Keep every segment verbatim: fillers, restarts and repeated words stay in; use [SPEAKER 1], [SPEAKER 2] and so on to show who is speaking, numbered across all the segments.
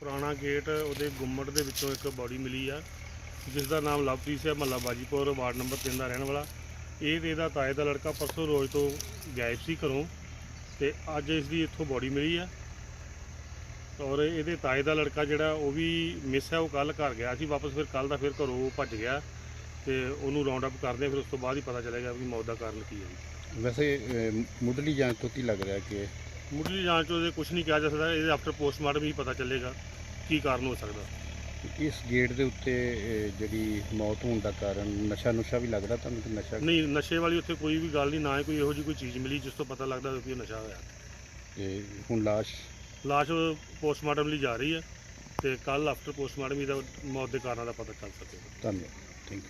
[SPEAKER 1] ਪੁਰਾਣਾ ਗੇਟ ਉਹਦੇ ਗੁੰਮਟ ਦੇ ਵਿੱਚੋਂ ਇੱਕ ਬੋਡੀ ਮਿਲੀ ਆ, ਜਿਸ ਦਾ ਨਾਮ ਲਵਪ੍ਰੀਤ ਸਿੰਘ, ਮਹੱਲਾ ਬਾਜੀਪੁਰ, ਵਾਰਡ ਨੰਬਰ ਤਿੰਨ ਦਾ ਰਹਿਣ ਵਾਲਾ। ਇਹ ਤੇ ਇਹਦਾ ਤਾਏ ਦਾ ਲੜਕਾ ਪਰਸੋਂ ਰੋਜ਼ ਤੋਂ ਗਾਇਬ ਸੀ ਘਰੋਂ, ਤੇ ਅੱਜ ਇਸ ਦੀ ਇੱਥੋਂ ਬੋਡੀ ਮਿਲੀ ਆ। ਔਰ ਇਹਦੇ ਤਾਏ ਦਾ ਲੜਕਾ ਜਿਹੜਾ ਉਹ ਵੀ ਮਿਸ ਹੈ, ਉਹ ਕੱਲ੍ਹ ਘਰ ਗਿਆ ਸੀ ਵਾਪਸ, ਫਿਰ ਕੱਲ੍ਹ ਦਾ ਫਿਰ ਘਰੋਂ ਭੱਜ ਗਿਆ, ਤੇ ਉਹਨੂੰ ਰਾਉਂਡ ਅਪ ਕਰਦੇ ਫਿਰ ਉਸ ਤੋਂ ਬਾਅਦ ਹੀ ਪਤਾ ਚੱਲੇਗਾ ਵੀ ਮੌਤ ਦਾ ਕਾਰਨ ਕੀ ਹੈ।
[SPEAKER 2] ਵੈਸੇ ਮੁੱਢਲੀ ਜਾਂਚ ਤੋਂ ਕੀ ਲੱਗ ਰਿਹਾ ਕਿ
[SPEAKER 1] ਮੁੱਢਲੀ ਜਾਂਚ ਉਹਦੇ ਕੁਝ ਨਹੀਂ ਕਿਹਾ ਜਾ ਸਕਦਾ, ਇਹਦੇ ਆਫਟਰ ਪੋਸਟਮਾਰਟਮ ਹੀ ਪਤਾ ਚੱਲੇਗਾ ਕੀ ਕਾਰਨ ਹੋ ਸਕਦਾ।
[SPEAKER 2] ਇਸ ਗੇਟ ਦੇ ਉੱਤੇ ਜਿਹੜੀ ਮੌਤ ਹੋਣ ਦਾ ਕਾਰਨ ਨਸ਼ਾ ਨੁਸ਼ਾ ਵੀ ਲੱਗਦਾ ਤੁਹਾਨੂੰ ਕਿ ਨਸ਼ਾ
[SPEAKER 1] ਨਹੀਂ, ਨਸ਼ੇ ਵਾਲੀ ਉੱਥੇ ਕੋਈ ਵੀ ਗੱਲ ਨਹੀਂ, ਨਾ ਹੀ ਕੋਈ ਇਹੋ ਜਿਹੀ ਕੋਈ ਚੀਜ਼ ਮਿਲੀ ਜਿਸ ਤੋਂ ਪਤਾ ਲੱਗਦਾ ਕਿ ਉਹ ਨਸ਼ਾ ਹੋਇਆ।
[SPEAKER 2] ਤੇ ਹੁਣ ਲਾਸ਼
[SPEAKER 1] ਲਾਸ਼ ਪੋਸਟਮਾਰਟਮ ਲਈ ਜਾ ਰਹੀ ਹੈ, ਤੇ ਕੱਲ੍ਹ ਆਫਟਰ ਪੋਸਟਮਾਰਟਮ ਇਹਦਾ ਮੌਤ ਦੇ ਕਾਰਨਾਂ ਦਾ ਪਤਾ ਚੱਲ ਸਕੇਗਾ।
[SPEAKER 2] ਧੰਨਵਾਦ, ਥੈਂਕ ਯੂ।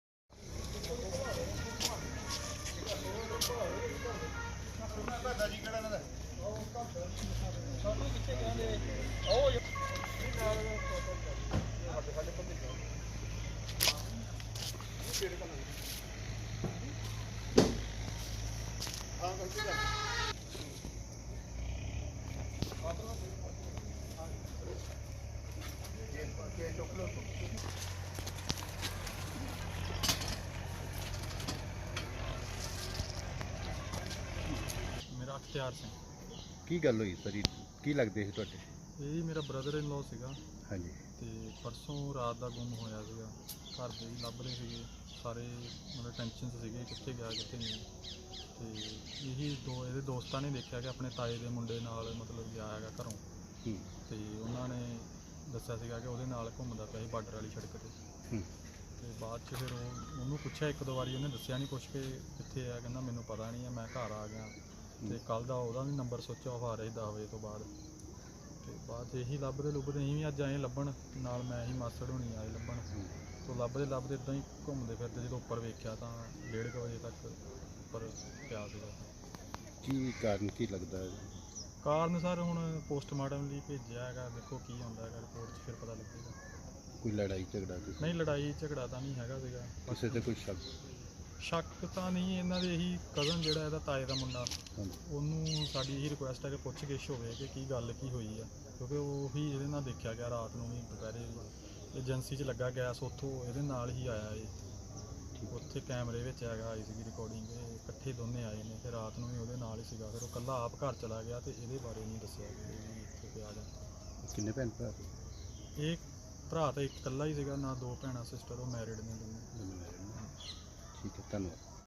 [SPEAKER 3] ਮੇਰਾ ਅਖਤਿਆਰ ਸਿੰਘ।
[SPEAKER 2] ਕੀ ਗੱਲ ਹੋਈ ਸਰ, ਕੀ ਲੱਗਦੇ ਸੀ ਤੁਹਾਡੇ?
[SPEAKER 3] ਇਹ ਮੇਰਾ ਬ੍ਰਦਰ ਇਨ ਲਾਅ ਸੀਗਾ।
[SPEAKER 2] ਹਾਂਜੀ।
[SPEAKER 3] ਤੇ ਪਰਸੋਂ ਰਾਤ ਦਾ ਗੁੰਮ ਹੋਇਆ ਸੀਗਾ, ਘਰ ਦੇ ਵੀ ਲੱਭ ਰਹੇ ਸੀਗੇ ਸਾਰੇ, ਮਤਲਬ ਟੈਨਸ਼ਨ 'ਚ ਸੀਗੇ ਕਿੱਥੇ ਗਿਆ ਕਿੱਥੇ ਨਹੀਂ। ਤੇ ਇਹੀ ਦੋ ਇਹਦੇ ਦੋਸਤਾਂ ਨੇ ਦੇਖਿਆ ਕਿ ਆਪਣੇ ਤਾਏ ਦੇ ਮੁੰਡੇ ਨਾਲ ਮਤਲਬ ਗਿਆ ਹੈਗਾ ਘਰੋਂ, ਤੇ ਉਹਨਾਂ ਨੇ ਦੱਸਿਆ ਸੀਗਾ ਕਿ ਉਹਦੇ ਨਾਲ ਘੁੰਮਦਾ ਪਿਆ ਸੀ ਬਾਰਡਰ ਵਾਲੀ ਸੜਕ 'ਤੇ। ਤੇ ਬਾਅਦ 'ਚ ਫਿਰ ਉਹ ਉਹਨੂੰ ਪੁੱਛਿਆ ਇੱਕ ਦੋ ਵਾਰੀ, ਉਹਨੇ ਦੱਸਿਆ ਨਹੀਂ ਕੁਛ ਕਿ ਕਿੱਥੇ ਆ, ਕਹਿੰਦਾ ਮੈਨੂੰ ਪਤਾ ਨਹੀਂ ਹੈ, ਮੈਂ ਘਰ ਆ ਗਿਆ। ਤੇ ਕੱਲ੍ਹ ਦਾ ਉਹਦਾ ਵੀ ਨੰਬਰ ਸੋਚਿਆ ਆਫ ਆ ਰਿਹਾ ਸੀ ਦਸ ਵਜੇ ਤੋਂ ਬਾਅਦ। ਤੇ ਬਾਅਦ 'ਚ ਇਹੀ ਲੱਭਦੇ ਲੁੱਭਦੇ ਅਸੀਂ ਵੀ ਅੱਜ ਆਏ ਲੱਭਣ, ਨਾਲ ਮੈਂ ਹੀ ਮਾਸੜ ਹੋਣੀ ਆਏ ਲੱਭਣ। ਤੋਂ ਲੱਭਦੇ ਲੱਭਦੇ ਇੱਦਾਂ ਹੀ ਘੁੰਮਦੇ ਫਿਰਦੇ ਜਦੋਂ ਉੱਪਰ ਵੇਖਿਆ ਤਾਂ ਡੇਢ ਕੁ ਵਜੇ ਤੱਕ ਉੱਪਰ ਪਿਆ ਸੀਗਾ।
[SPEAKER 2] ਕੀ ਕਾਰਨ ਕੀ ਲੱਗਦਾ ਹੈ?
[SPEAKER 3] ਕਾਰਨ ਸਰ ਹੁਣ ਪੋਸਟਮਾਰਟਮ ਲਈ ਭੇਜਿਆ ਹੈਗਾ, ਦੇਖੋ ਕੀ ਹੁੰਦਾ ਹੈਗਾ ਰਿਪੋਰਟ 'ਚ ਫਿਰ ਪਤਾ ਲੱਗੇਗਾ।
[SPEAKER 2] ਕੋਈ ਲੜਾਈ ਝਗੜਾ ਕਿਸੇ
[SPEAKER 3] ਨਹੀਂ, ਲੜਾਈ ਝਗੜਾ ਤਾਂ ਨਹੀਂ ਹੈਗਾ ਸੀਗਾ।
[SPEAKER 2] ਕਿਸੇ ਤੇ ਕੋਈ ਸ਼ੱਕ
[SPEAKER 3] ਸ਼ੱਕ ਤਾਂ ਨਹੀਂ, ਇਹਨਾਂ ਦੇ ਇਹੀ ਕਜ਼ਨ ਜਿਹੜਾ ਇਹਦਾ ਤਾਏ ਦਾ ਮੁੰਡਾ, ਉਹਨੂੰ ਸਾਡੀ ਇਹੀ ਰਿਕੁਐਸਟ ਹੈ ਕਿ ਪੁੱਛ ਗਿੱਛ ਹੋਵੇ ਕਿ ਕੀ ਗੱਲ ਕੀ ਹੋਈ ਆ, ਕਿਉਂਕਿ ਉਹੀ ਇਹਦੇ ਨਾਲ ਦੇਖਿਆ ਗਿਆ ਰਾਤ ਨੂੰ ਵੀ, ਦੁਪਹਿਰੇ ਏਜੰਸੀ 'ਚ ਲੱਗਾ ਗੈਸ, ਉੱਥੋਂ ਇਹਦੇ ਨਾਲ ਹੀ ਆਇਆ ਇਹ, ਉੱਥੇ ਕੈਮਰੇ ਵਿੱਚ ਹੈਗਾ ਆਈ ਸੀਗੀ ਰਿਕਾਰਡਿੰਗ, ਇਹ ਇਕੱਠੇ ਦੋਨੇ ਆਏ ਨੇ, ਫਿਰ ਰਾਤ ਨੂੰ ਵੀ ਉਹਦੇ ਨਾਲ ਹੀ ਸੀਗਾ। ਫਿਰ ਉਹ ਇਕੱਲਾ ਆਪ ਘਰ ਚਲਾ ਗਿਆ, ਤੇ ਇਹਦੇ ਬਾਰੇ ਨਹੀਂ ਦੱਸਿਆ ਕਿ ਇਹ ਵੀ ਇੱਥੇ ਪਿਆ ਜਾਂ।
[SPEAKER 2] ਕਿੰਨੇ ਭੈਣ ਭਰਾ?
[SPEAKER 3] ਇਹ ਭਰਾ ਤਾਂ ਇੱਕ ਇਕੱਲਾ ਹੀ ਸੀਗਾ, ਨਾ ਦੋ ਭੈਣਾਂ ਸਿਸਟਰ, ਉਹ ਮੈਰਿਡ ਨੇ ਦੋਨੇ।
[SPEAKER 2] ਠੀਕ ਹੈ, ਧੰਨਵਾਦ।